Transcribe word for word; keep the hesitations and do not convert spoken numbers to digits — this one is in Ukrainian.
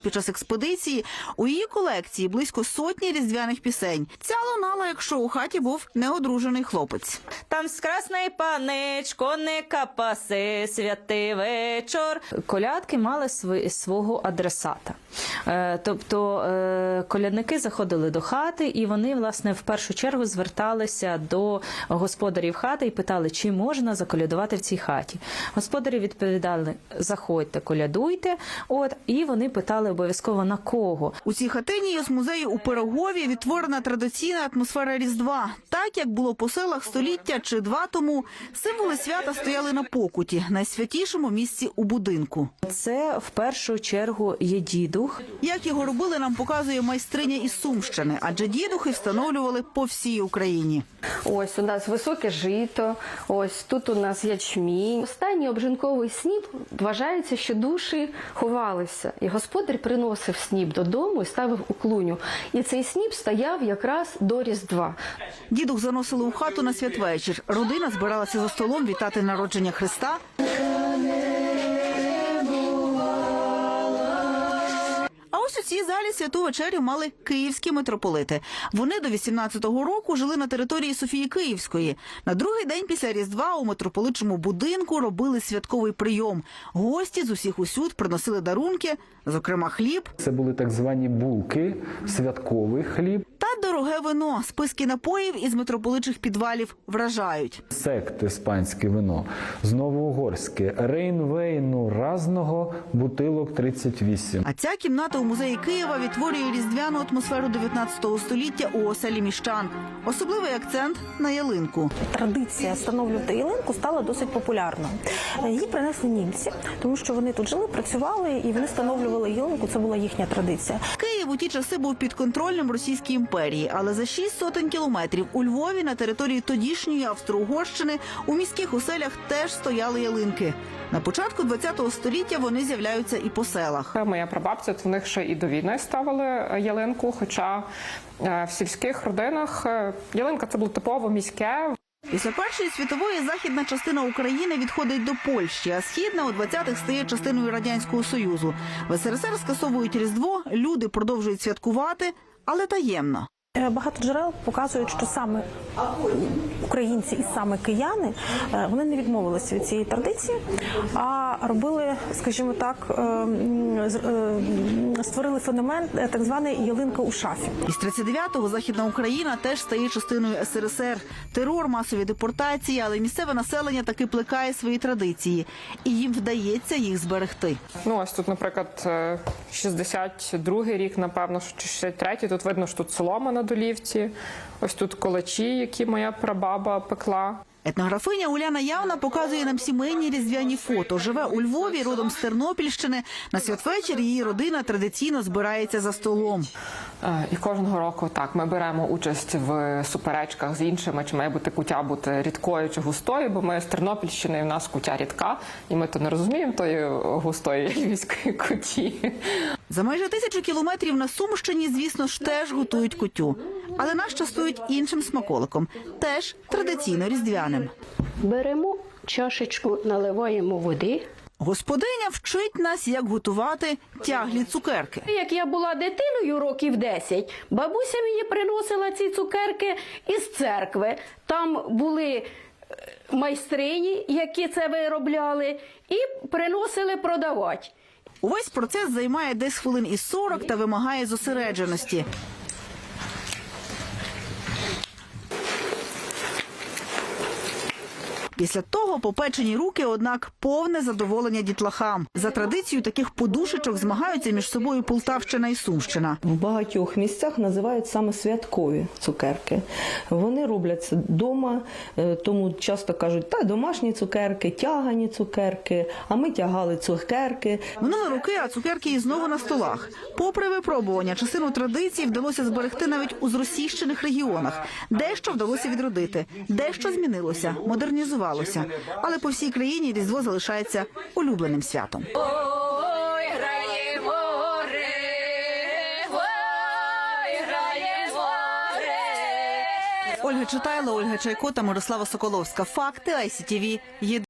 Під час експедиції у її колекції близько сотні різдвяних пісень. Ця лунала, якщо у хаті був неодружений хлопець. Там скрасний паничко, не капаси, святий вечор. Колядки мали свої, свого адресата. Е, тобто е, колядники заходили до хати, і вони, власне, в першу чергу зверталися до господарів хати і питали, чи можна заколядувати в цій хаті. Господарі відповідали: заходьте, колядуйте. От, і вони питали обов'язково на кого. У цій хатині з музею у Пирогові відтворена традиційна атмосфера Різдва. Так, як було по селах століття чи два тому, символи свята стояли на покуті, найсвятішому місці у будинку. Це в першу чергу є дідух. Як його робили, нам показує майстриня із Сумщини, адже дідухи встановлювали по всій Україні. Ось у нас високе жито, ось тут у нас ячмінь. Останній обжинковий сніп вважається, що душі ховалися. І господар приносив сніп додому і ставив у клуню. І цей сніп стояв якраз до Різдва. Дідух заносили у хату на святвечір. Родина збиралася за столом вітати народження Христа. А ось у цій залі святу вечерю мали київські митрополити. Вони до вісімнадцятого року жили на території Софії Київської. На другий день після Різдва у митрополитчому будинку робили святковий прийом. Гості з усіх усюд приносили дарунки, зокрема хліб. Це були так звані булки, святковий хліб. Та дороге вино. Списки напоїв із митрополитчих підвалів вражають. Сект іспанське вино, знову угорське, рейнвейну разного, бутилок тридцять вісім. А ця кімната у музеї Києва відтворює різдвяну атмосферу дев'ятнадцятого століття у оселі міщан. Особливий акцент на ялинку. Традиція встановлювати ялинку стала досить популярною. Її принесли німці, тому що вони тут жили, працювали і вони встановлювали ялинку, це була їхня традиція. Київ у ті часи був під контролем Російської імперії, але за шість сотень кілометрів у Львові на території тодішньої Австро-Угорщини у міських оселях теж стояли ялинки. На початку ХХ століття вони з'являються і по селах. Моя прабабця, в них ще і до війни ставили ялинку, хоча в сільських родинах ялинка – це було типово міське. Після Першої світової західна частина України відходить до Польщі, а східна у двадцятих стає частиною Радянського Союзу. В ес ер ес ер скасовують Різдво, люди продовжують святкувати, але таємно. Багато джерел показують, що саме українці і саме кияни, вони не відмовилися від цієї традиції, а робили, скажімо так, створили феномен так званий ялинка у шафі. Із тридцять дев'ятого Західна Україна теж стає частиною ес ер ес ер. Терор, масові депортації, але місцеве населення таки плекає свої традиції. І їм вдається їх зберегти. Ну, ось тут, наприклад, шістдесят другий рік, напевно, чи шістдесят третій. Тут видно, що тут солома на долівці. Ось тут колачі, які моя прабаба пекла. Етнографиня Уляна Явна показує нам сімейні різдвяні фото. Живе у Львові, родом з Тернопільщини. На святвечір її родина традиційно збирається за столом. І кожного року так, ми беремо участь в суперечках з іншими, чи має бути куття бути рідкою чи густою, бо ми з Тернопільщини, і в нас куття рідка, і ми то не розуміємо тої густої львівської куті. За майже тисячу кілометрів на Сумщині, звісно ж, теж готують кутю. Але нас частують іншим смаколиком, теж традиційно різдвяним. Беремо чашечку, наливаємо води. Господиня вчить нас, як готувати тяглі цукерки. Як я була дитиною років десять, бабуся мені приносила ці цукерки із церкви. Там були майстрині, які це виробляли, і приносили продавати. Увесь процес займає десь хвилин із сорок та вимагає зосередженості. Після того попечені руки, однак, повне задоволення дітлахам. За традицією таких подушечок змагаються між собою Полтавщина і Сумщина. В багатьох місцях називають саме святкові цукерки. Вони робляться вдома, тому часто кажуть, та домашні цукерки, тягані цукерки, а ми тягали цукерки. Минули роки, а цукерки і знову на столах. Попри випробування, частину традицій вдалося зберегти навіть у зросійщених регіонах. Дещо вдалося відродити, дещо змінилося, модернізувалося. Але по всій країні Різдво залишається улюбленим святом. Ой, грає море, ой, грає море. Ольга Читайла, Ольга Чайко та Мирослава Соколовська. Факти ай сі ті ві.